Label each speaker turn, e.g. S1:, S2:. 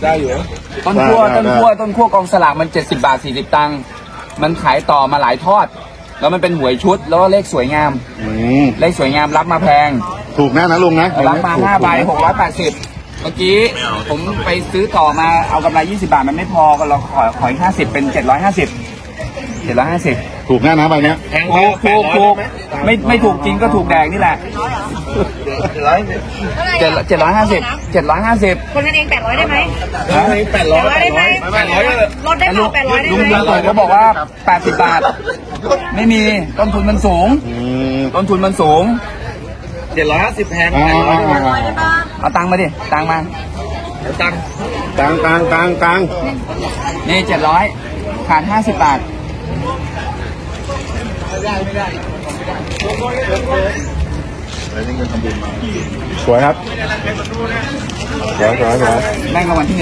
S1: ได้อยู่
S2: ต้นขั้วกองสลากมัน70 บาท 40 ตังค์มันขายต่อมาหลายทอด แล้วมันเป็นหวยชุดแล้วก็เลขสวยงามเลขสวยงามรับมาแพง
S1: ถูกนะลุงนะ
S2: รับมา5 ใบ680เมื่อกี้ผมไปซื้อต่อมาเอากำไร20 บาทมันไม่พอก็เราขออีก50เป็น750
S1: ถูกนะใบเนี้ย
S2: ถูกไม่ถูกจริงก็ถูกแดงนี่แหละ750
S3: คนกันเอง800ได้ไหม
S2: 800
S3: ได้ไหมลดได้เปล่า800ได้ไหม
S2: ลุงเขาบอกว่า80 บาทไม่มีต้นทุนมันสูง
S1: 750แพง
S2: เอาตังค์มาดิตังค์มา
S1: ตัง
S2: นี่700ขาด50 บาท
S1: สวยครับสวย
S2: แม่งรางวัลที่